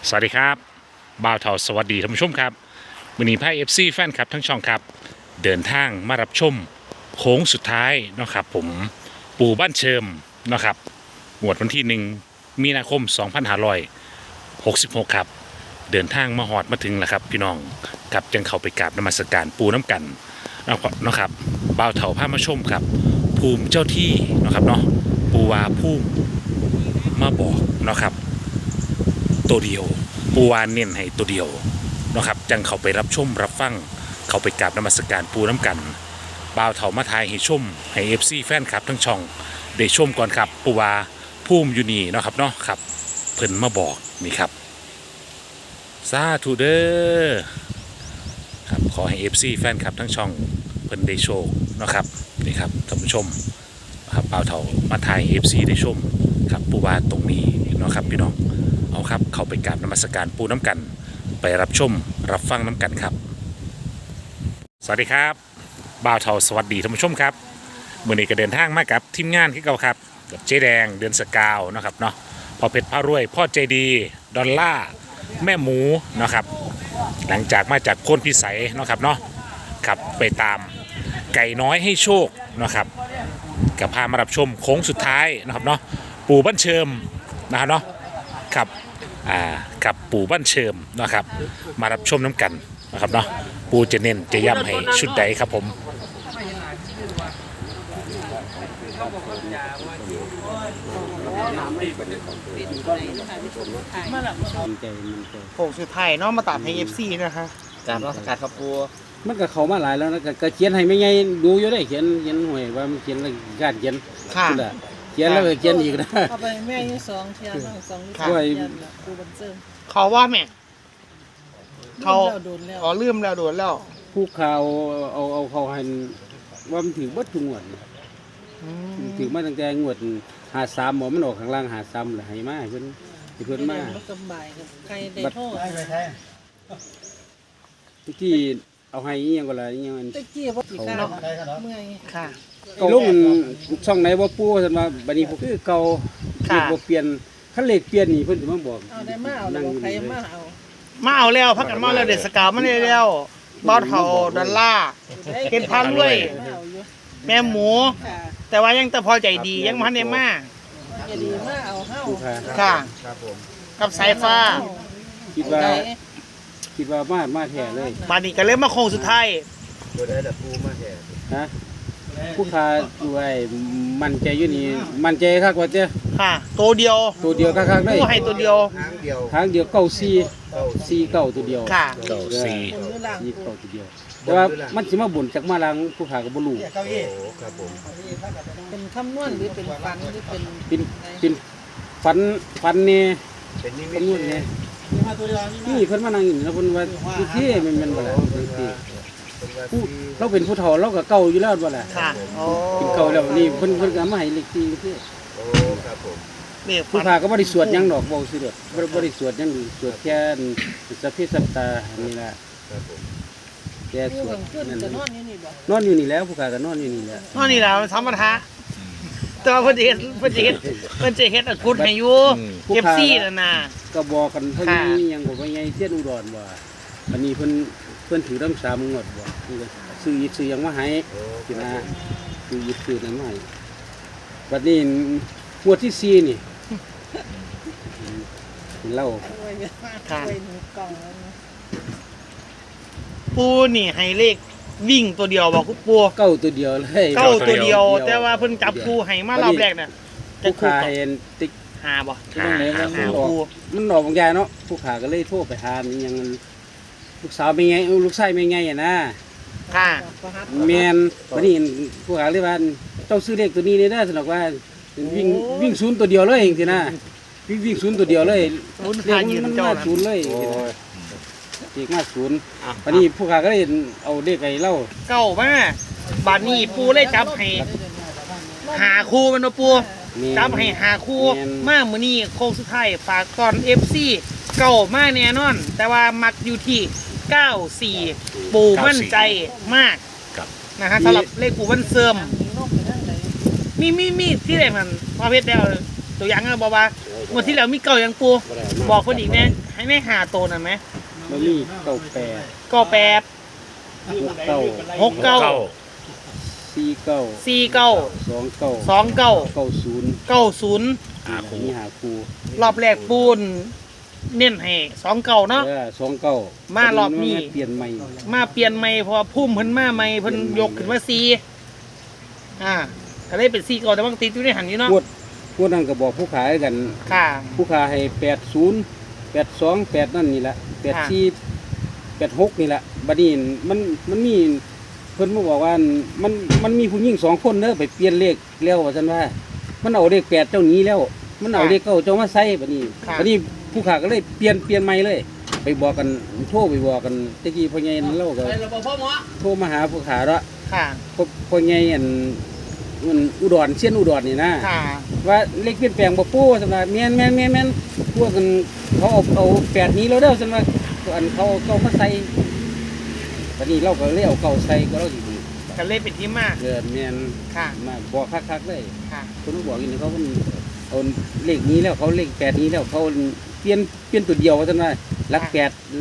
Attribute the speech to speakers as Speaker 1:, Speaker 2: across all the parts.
Speaker 1: สวัสดีครับบ่าวเทาสวัสดีท่านผู้ชมครับวันนี้ไพ่เอฟซีแฟนครับทั้งช่องครับเดินทางมารับชมโค้งสุดท้ายเนาะครับผมปู่บ้านเชิมเนาะครับงวดวันที่1 มีนาคม 2566 ครับเดินทางมาหอดมาถึงแล้วครับพี่น้องกับจังเข้าไปกราบนมัสการปูน้ำกันเนาะครับบ่าวเทาพามาชมครับภูมิเจ้าที่เนาะครับเนาะปูวาภูมิมาบอกเนาะครับตัวเดียวปูวานเน้นให้ตัวเดียวเนาะครับจังเขาไปรับชมรับฟังเขาไปกราบนมัสการปูน้ำกันบ่าวเถามาทายให้ชมให้เอฟซีแฟนครับทั้งช่องได้ชมก่อนครับปูวาภูมิอยู่นี่เนาะครับเนาะครับเพิ่นมาบอกนี่ครับสาธุเด้อครับขอให้เอฟซีแฟนครับทั้งช่องเพิ่นได้โชคเนาะครับนี่ครับท่านผู้ชมครับบ่าวเถามาทายเอฟซีได้ชมครับปูวาตรงนี้เนาะครับพี่น้องเอาครับเข้าไปกราบนมัสการปูน้ำกันไปรับชมรับฟังน้ำกันครับสวัสดีครับบ่าวเทาสวัสดีท่านผู้ชมครับมื่อนี้ก็เดินทางมากับทีมงานที่เก่าครับกับเจ๊แดงเดือนสกาวนะครับเนาะพ่อเพชรพระรวยพ่อใจดีดอลล่าแม่หมูนะครับหลังจากมาจากโพนพิสัยนะครับเนาะขับไปตามไก่น้อยให้โชคนะครับกับพามารับชมโค้งสุดท้ายนะครับเนาะปู่บ้านเชิมนะครับเนาะครับกับปู่บ้านเชิมนะครับมารับชมน้ำกันนะครับเนาะปู่จะเน้นจะย้ำให้ชุดใดครับผม
Speaker 2: โค้งสุดท้ายเนาะมาตัดให้ FC นะคะ
Speaker 3: การรักษาครับปู
Speaker 4: มันก็เข้ามาหลายแล้วนะก็เขียนให้ไม่ไงดูอยู่ได้เขียนหวยว่ามันเขียนอะไรการเขียน
Speaker 2: ค่ะ
Speaker 4: นั่นแหละเขียนแล้วก็เขียนอีกนะ
Speaker 5: เอาไปแม่ยี่สองเทียนบ้างสองลิตร
Speaker 2: ค่ะ
Speaker 5: เทียนกูบันเซิม
Speaker 2: เขาว่าแม่เขา
Speaker 5: เราโดนแล้ว
Speaker 2: อ๋อลืมแล้วโดนแล้ว
Speaker 4: ผู้ข่าวเอาเขาให้ว่ามันถึงบัดทุกงวด
Speaker 2: อืม
Speaker 4: ถึงมาตั้งแต่งวด53หมอมันออกข้างล่าง53แล้วให้มาให้เพิ่นมา
Speaker 5: รถสบายกับใครได้โทษ
Speaker 4: ที่เอาให้อีหยังก็ล่ะอีหยังอัน
Speaker 5: ตะกี้ว่ากี่ข้าวเมื่อย
Speaker 2: ค่ะ
Speaker 4: ลุงช่องไหนบ่ปู่ซั่นว่าบัดนี้คือเก่า
Speaker 2: ค่ะ
Speaker 4: บ่เปลี่ยนคันเลขเปลี่ยนนี่เพิ่นสิมาบอก
Speaker 5: เอาได้มาเอาแล้วใครมาเอา
Speaker 2: มาเอาแล้วพักกันมาแล้วเด็ดสกาวมาได้แล้วบ้านเฮาดอลล่า เป็นพันด้วย
Speaker 5: มาเอาอยู่
Speaker 2: แม่หมู
Speaker 5: ค่ะ
Speaker 2: แต่ว่ายังแต่พอใจดียังพันได้มา
Speaker 5: อย่าดีมาเอาเฮ้า
Speaker 4: ผู้ข่า
Speaker 2: ค่ะ
Speaker 3: ครับผม
Speaker 2: กับสายฟ้า
Speaker 4: คิดว่ามาแท้เลย
Speaker 2: บาดนี้ก็เลยมาโค้งสุดท้าย
Speaker 3: ตัวได้แต่ปูมาแห่
Speaker 4: ฮะผู้ค้าด้วยมันใจอยู่นี่มันใจคักว่าเจ้า
Speaker 2: ค่ะตัวเดียว
Speaker 4: ตัวเดียวคักๆได้
Speaker 2: ผู้ให้ตัวเดียว
Speaker 3: ทางเดียว
Speaker 4: ทางเดียวเก้าสี่เก้าตัวเดียว
Speaker 2: ค่ะ
Speaker 1: เก้าสี่
Speaker 5: คนหรือหลัง
Speaker 4: สี่เก้าตัวเดียว แต่ว่ามันสิมาบ่นจากมาลังผู้ค้าก็บ่รู้
Speaker 3: โอ้ครับผม
Speaker 5: เป็นคำนวณหรือเป็นฟันหรือเป็น
Speaker 4: เป็นฟันนี่
Speaker 3: เป็นนิมิ
Speaker 4: เป็
Speaker 3: ต
Speaker 4: นนู่นนี่นี่เพิ่นมานั่งอยู่นี่แล้วเพิ่นว่าคือเท่มันบ่ล่ะจังซี่ผู้เราเป็นผู้เฒ่าเราก็เก่าอยู่แล้วบ่ล่ะ
Speaker 2: ค่ะโอ้
Speaker 4: เป็นเก่าแล้วนี่เพิ่นก็เอามาให้เลขที่เท่
Speaker 3: โอ้ครับผม
Speaker 2: นี่
Speaker 4: ผู้ค้าก็บ่ได้สวดหยังดอกเว้าซื่อเด้อบ่ได้สวดหยังสวดแค่สัพเพสัตตานี่ล่ะ
Speaker 3: ครับผม
Speaker 4: แค่ส
Speaker 5: ผู้
Speaker 4: วด
Speaker 5: กำขึ้น
Speaker 4: นั่น
Speaker 5: จะน
Speaker 4: น่ะ
Speaker 5: อนอยู่นี่บ่
Speaker 4: นอนอยู่นี่แล้วผู้ค้าก็นอนอยู่นี่แหละ
Speaker 2: นั่นนี่แหละมันธรรมดาแต่ว่าเพิ่นจะเฮ็ดอักุดให้อยู่เก็บซี่นั่นน่ะ
Speaker 4: ก็บอกกันเท่า
Speaker 2: ค่ะ
Speaker 4: นี้ยังบอกว่าไงเสี้ยนอุดรว่าวันนี้เพิ่นถือน้ำสามงวดบ่เพิ่นก็ซื้อยิดซื้อหยังมาให้
Speaker 3: โอ้
Speaker 4: กินนะซื้อยิดซื้อนั้นมาให้บัดนี้งวดที่4นี่เล่า
Speaker 5: ช่วยช่วยหนูกล่องแล้วนะ
Speaker 2: ปูนี่ให้เลขวิ่งตัวเดียวบอกคุณปู
Speaker 4: เก้าตัวเดียวเลย
Speaker 2: เก้าตัวเดียว แต่ว่าเพิ่นจับปูให้มารอบแรกน่ะจะ
Speaker 4: ผู้
Speaker 2: คู่
Speaker 4: ขา
Speaker 2: กับ
Speaker 4: เห็นติ๊ก
Speaker 2: หาบ่
Speaker 4: ที่นั่นเลยว่า
Speaker 2: หา
Speaker 4: มันออก
Speaker 2: ปู
Speaker 4: มันออกบางอย่างเนาะผู้ขาก็เลยโทรไปหานี่ยังลูกสาวเป็นไงลูกชายเป็นไงอ่ะนะ
Speaker 2: ค่ะ
Speaker 5: ประหัต
Speaker 4: แม่นวันนี้ผู้ขาเลยว่าเจ้าซื้อเลขตัวนี้ได้เด้อสนอกว่าวิ่งศูนย์ตัวเดียวเลยเองสินะวิ่งศูนย์ตัวเดียวเลย
Speaker 2: ลุ้น
Speaker 4: เล
Speaker 2: พา
Speaker 4: ข
Speaker 2: ยืน
Speaker 4: มัน
Speaker 2: เจ้า
Speaker 4: มา
Speaker 2: น่ะ
Speaker 4: ศูนย์เลย
Speaker 3: โอ้
Speaker 4: เลขมาศูนย์วันนี้ผู้ขาก็เลยเอาเลขไอ้เล่า
Speaker 2: เก้ามาบัดนี้ปูเลยจับให้หาคู่มันบ่ปู จับให้หาคู่มามื้อนี้โค้งสุดท้ายฝากก่อน FC เก้ามาแน่นอน แต่ว่ามักอยู่ที่94ปูมั่นใจมาก
Speaker 1: ครับ
Speaker 2: นะฮะสำหรับเลขปูวันเสริม
Speaker 5: มีนกไปทางไหน
Speaker 2: มีที่ไหนมันพอเพชรแล้วตัวอย่างก็บอกว่าเมื่อที่แล้วมีเก่ายังปูบอกคนอีกแน่ให้ให้ในหาตัวนั่นไหม
Speaker 4: มันมีเก้าแปด
Speaker 2: ก็แปด
Speaker 4: หกเก้า
Speaker 2: หกเก้า
Speaker 4: สี่เก้า
Speaker 2: สี่เก้า
Speaker 4: สองเก้า
Speaker 2: สองเก้า
Speaker 4: เก้าศูนย์
Speaker 2: เก้าศูนย์
Speaker 4: มีหาครู
Speaker 2: รอบแรกปูนเน้นให้สองเก้าเนาะ
Speaker 4: สองเก้าม
Speaker 2: ารอบนี้
Speaker 4: เปลี่ยนใหม่
Speaker 2: มาเปลี่ยนใหม่เพราะว่าพุ่มเพิ่นมาใหม่เพิ่นยกขึ้นมาสี่ก็เลยเป็นสี่เก้าแต่บางติดอยู่ในหันอยู่เนาะ
Speaker 4: พวกนั้นก็บอกผู้ขายกัน
Speaker 2: ค่ะ
Speaker 4: ผู้ขายให้80 82 8นั่นนี่แหละ84 86นี่แหละบัดนี้มันมีเพิ่นมาบอกว่ามันมีผู้หญิง2คนเด้อไปเปลี่ยนเลขแล้วว่าซั่นว่ามันเอาเลข8เจ้านี้แล้ว มันเอาเลข9เจ้ามาใส่บัดนี้ผู้ขายก็เลยเปลี่ยนใหม่เลย ไปบอกกันโทรไปบอกกันตะกี้พ่อใหญ่นั่นเราก็โทรมาหาผู้ขายละ
Speaker 2: ค่ะ
Speaker 4: พ่อใหญ่มันอุดรเชียนอุดรนี่นะ
Speaker 2: ค่ะ
Speaker 4: ว่าเลขเปลี่ยนแปลงบ่ปูสำหรับแม่นพวกกันเขาเอา8นี้แล้วเด้อสำหรับอันเขามาใส่บัดนี้เราก็เลยเอาเก่าใส่ก็เราสิ
Speaker 2: ก็เลยเป็นที่มา
Speaker 4: แม่น
Speaker 2: ค่ะ
Speaker 4: มาบอกคักๆเลย
Speaker 2: ค่ะ
Speaker 4: คนบอกอยู่นี่เขาเอาเลขนี้แล้วเขาเลข8นี้แล้วเขาเปลี่ยนตัวเดียวว่าซั่นว่าหลัก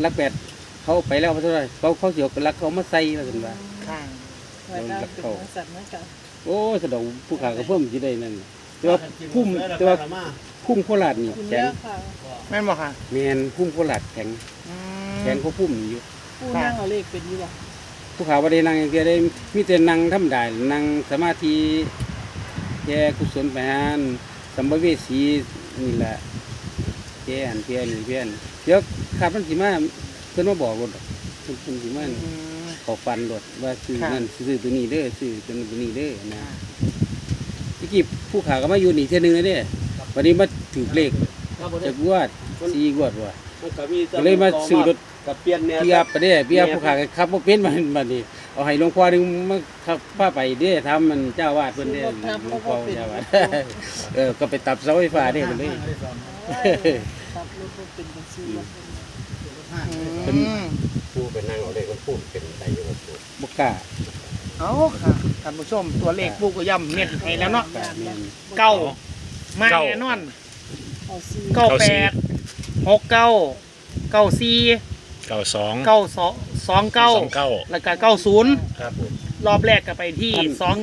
Speaker 4: 8เขาไปแล้วว่าซั่นว่าเขาสิเอาหลักเขามาใส่ว่าซั่นว่า
Speaker 2: ค่ะ
Speaker 5: ไว้ได้เป็นบริษัทเหมือนกัน
Speaker 4: โอ้สะดอกผู้ขาก็เพิ่มสิได้นั่นแต่ว่าพุ่มโคราชนี่
Speaker 5: คุณ
Speaker 4: แข็
Speaker 5: เลื
Speaker 4: ง
Speaker 5: อกค่ะ
Speaker 2: แม่นบอกค่ะ
Speaker 4: แม่นพุ่มโคราชแข็ง
Speaker 2: อื
Speaker 4: แข็ง
Speaker 2: ม
Speaker 4: ก็พุ่มอยู่
Speaker 5: ผู้นั่งเอาเลขเป็นอยู่บ่
Speaker 4: ผู้ขาบ่ได้นั่งอย่างเดียวได้มีแต่นั่งธรรมดานั่งสมาธิแก่กุศลไปหานสัมภเวสีนี่แหละแก่อันเพียนเดี๋ยวข้าพันสิมาเพิ่นมาบอกรถเพิ่นสิมา
Speaker 2: อืม
Speaker 4: ขอฟันรถว่าซื้อนั่นซื้อตัวนี้เด้อซื้อตัวนี้เด้อนะที่กี้ผู้ขาก็มาอยู่นี่เทื่อนึงแล้วเด้วันนี้มาถือเลขจากงวด4งวดว่ะก็เลยมาซื้อรถ
Speaker 3: กับเปลี่ยนแนว
Speaker 4: พี่อัพไปเด้พี่อัพผู้ขาก็ขับบ่เป็นมันนี่เอาให้หลวงพ่อนึงมาขับพาไปเด้ทำมันเจ้าวาดเพิ่นเด้หลวงพ่อเจ้าวาดก็ไปตับเสาไฟฟ้าเด้มันเลย
Speaker 5: ครับรถบ่เป็นจังซี่บ่
Speaker 2: อืม
Speaker 3: ปูเป็นนางเอาเลขมันปูเป็นไดอยู่กับปู
Speaker 4: บ่กล้า
Speaker 2: เอาค่ะท่านผู้ชมตัวเลขปูก็ย่ำเน้นให้แล้วเนาะ
Speaker 4: กล้าแม่น
Speaker 2: เก้ามาแน่นอน
Speaker 5: เอาซี่
Speaker 2: เก้าแปดหกเก้าเก้าสี่
Speaker 1: 92
Speaker 2: เก้าสองเก้า
Speaker 1: 29
Speaker 2: แล้วก็90
Speaker 3: ครับผม
Speaker 2: รอบแรกก็ไปที่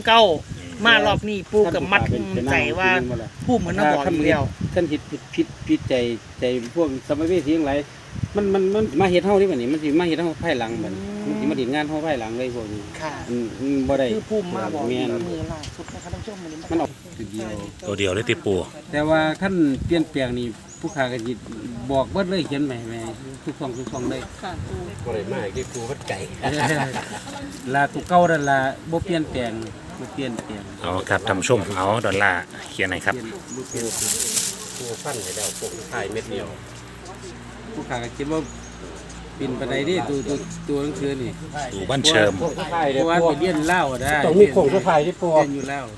Speaker 2: 29มารอบนี้ปูกับมัดใจว่าผู้เหมือนน้าบอกอยู่แล้ว
Speaker 4: ท่านผิดใจพวกสมัยเวทีทั้งหลายมันมาเฮ็ดเฮานี่บัดนี้มันสิมาเฮ็ดเฮาภายหลังบัดนี้มันสิมาเฮ็ดงานเฮาภายหลังเลยพวกนี้
Speaker 2: ค่ะ
Speaker 4: บ่ได้
Speaker 2: คือผู้มาบอก
Speaker 4: แม่น
Speaker 2: มือล่าสุดนะครับท่านผู้ชมวันนี้
Speaker 4: มันออกทีเดียว
Speaker 1: ตัวเดียวเลยติปู
Speaker 4: แต่ว่าขั้นเปลี่ยนแปลงนี่ผู้ค้าก็สิบอกเบิดเลยเขียนแหม่ทุกช่องเลย
Speaker 5: ค่ะปู
Speaker 3: ก็เลยมาที่ปูวัดไก่
Speaker 4: ลาตุเก่านั่นล่ะบ่เปลี่ยนแปลง
Speaker 1: เอาครับท่านผู้ชมเอาดอลลาร์เขียนหน่อยครับ
Speaker 4: บ่เปลี่ยน
Speaker 3: ปูฟันให้แล้วปูถ่ายเม็ดเดียว
Speaker 4: ผู้ค้าก็คิดว่าเป็นปานใดเด้ตัวหนังสือนี่
Speaker 1: ดูบ้านเชิม
Speaker 4: เพราะว่าไปเรียนลาวได้
Speaker 3: ต้องมีโครงสุดท้ายที่ปู
Speaker 4: เรียนอยู่แล้ว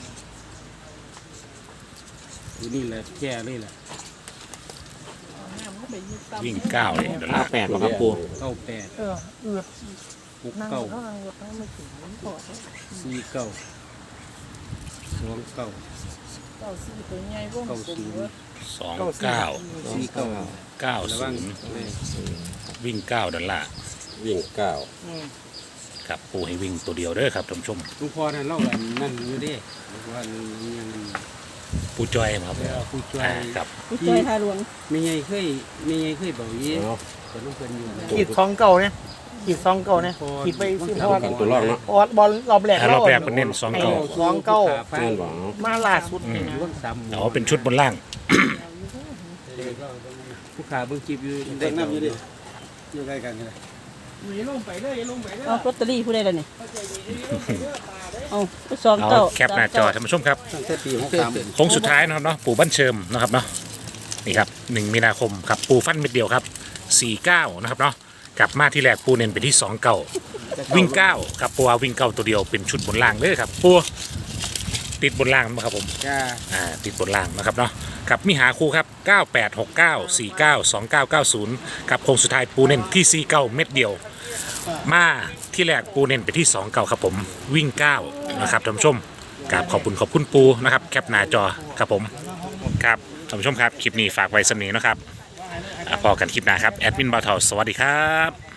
Speaker 4: อยู่นี่แหละแค่เลยล่ะ
Speaker 5: น้ำก็ไปยึดตาม
Speaker 1: วิ่ง9เลยดอลลาร์8ครับปู
Speaker 4: 98
Speaker 2: เออเอือนั่ง
Speaker 4: 69
Speaker 2: เขานั่งรถนั่งไม่ถึงพอ
Speaker 4: 49 29
Speaker 5: เก้าซี่ตัวใหญ่วงกลมเว้ย
Speaker 1: 29
Speaker 4: ระวัง
Speaker 1: 90วิ่ง9ดอลลาร์
Speaker 3: วิ่งเก้า
Speaker 2: อืม
Speaker 1: ครับปูให้วิ่งตัวเดียวเด้อครับท่านผู้ชม
Speaker 4: หลวงพ่อนั่นเล่ากันนั่นอยู่เด้หลวงพ่อยัง
Speaker 1: ปูจอยครับ
Speaker 4: ผู้ช่วย
Speaker 1: ครับ
Speaker 5: ผู้ช่วยทาหลวง
Speaker 4: ไม่ไงเคยบอกยี่แต่ลูกเพิ่นอยู่นะ
Speaker 2: ขีด2 9เนี่ยขีด2 9เนี่ยขีดไปที่เพราะว่า
Speaker 3: ตัวรองเนาะ
Speaker 2: บอลรอบแรก
Speaker 1: รอบแรกเป็นเน้น2
Speaker 2: ให้
Speaker 1: 9
Speaker 2: 2 9
Speaker 3: แม่นบอก
Speaker 2: มาล่าสุดนี่นะ
Speaker 4: ร่วมซ้ำ
Speaker 1: เอาเป็นชุดบนล่าง
Speaker 4: ผู้ขาเบิ่งคลิปอยู่เด็กน้ำอยู่ดิอยู่ใกล้กันเลย
Speaker 2: ลงไปเลยลงไปเลย
Speaker 5: เอาลอตเตอรี่ผู้ใดล่ะนี่เอาไปสอง
Speaker 1: เอา
Speaker 5: เก้า
Speaker 1: แคปหน้าจอท่านผู้ชมครับ
Speaker 4: ตั้งแต่ปี63
Speaker 1: โค้งสุดท้ายนะครับเนาะปู่บ้านเชิมนะครับเนาะนี่ครับ1มีนาคมครับปูฟันเม็ดเดียวครับ49นะครับเนาะกลับมาที่แรกปูเน้นไปที่2เก่าวิ่ง9ครับปูว่าวิ่ง9ตัวเดียวเป็นชุดบนล่างเลยครับปูติดบนล่างมั้ยครับผม
Speaker 4: จ้า
Speaker 1: ติดบนล่างนะครับเนาะครับมีหาคู่ครับ9869 49 2990ครับโค้งสุดท้ายปูเน้นที่49เม็ดเดียวมาที่แรกปูเน้นไปที่2เก่าครับผมวิ่ง9นะครับท่านผู้ชมครับขอบคุณปูนะครับแคปหน้าจอครับผมครับท่านผู้ชมครับคลิปนี้ฝากไว้สำนีนะครับพอกันคลิปหน้าครับแอดมินบ่าวเฒ่าสวัสดีครับ